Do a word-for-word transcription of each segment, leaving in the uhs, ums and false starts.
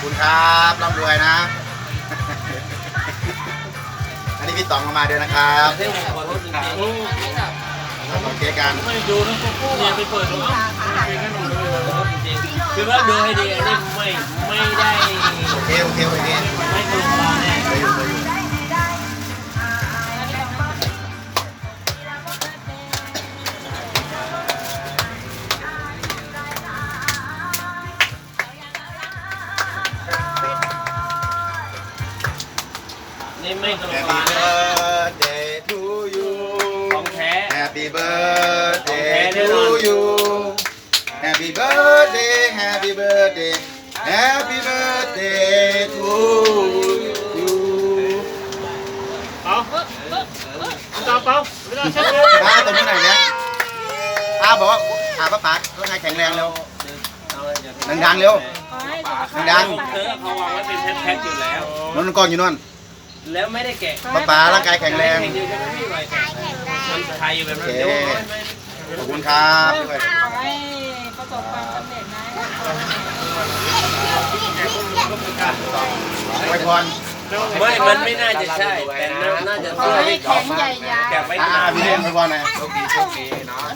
คุณครับร่ำรวยนะ อันนี้พี่ต๋องมาด้วยนะครับเรื่องขอโทษจริงเราต้องเจ๊กันไม่ดูนะเนี่ยไปเปิดดูคือว่าดูให้ดีอันนี้ไม่ไม่ได้โอเคโอเคโอเคไม่ถูกมาแน่ไปอยู่ไปอยู่นี่ไม่ตรง Happy ปลา birthday to you ของแท้ Happy birthday to you Happy birthday Happy birthday Happy birthday to you เอาตาเปล่าเวลาเช็ดเลยป้าตรงนี้ไหนเนี่ยป้าบอกว่าอาป้าป๋าต้องให้แข็งแรงเร็วดังๆเร็วดังเธอเขาวางไว้เป็นแพ็คๆอยู่แล้วๆนนท์กองอยู่นั่นแล้วไม่ได้แกะป้าป๋าร่างกายแข็งแรงแข็งอยู่ใช่ไหมพี่ไว้แกะมันไทยอยู่แบบนั้นเดี๋ยวไม่ไม่ขอบคุณครับด้วยขอให้ประสบความสำเร็จนะไว้พรไม่มันไม่น่าจะใช่แต่น่าจะขอเสื้อให้ที่แข็งใหญ่ยาวแกะไว้อ่านาพี่เลี้ยงไว้พรหน่อยโชคดีโชคดีเนาะ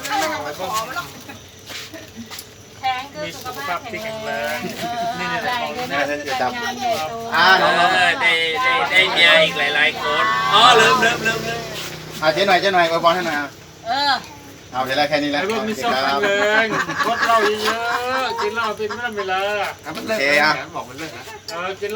แข็งคือสุขภาพแข็งแรงใหญ่เลยนะจัดงานใหญ่โตอ่าเอน้องอได้ได้ได้เมียอีกหลายๆคนอ๋อลืมลืมลืมลืมๆเอาเจ๊หน่อยเจ๊หน่อยไว้พรให้หน่อยเออเอาเดี๋ยวแค่นี้แหละไอ้พวกมีโอเคสองคพัรันบเองกดเหล้าเยอะๆกินเหล้าเป็นไม่ได้เวลามันเลิกแล้วบอกมันเลิกแล้วเออกิน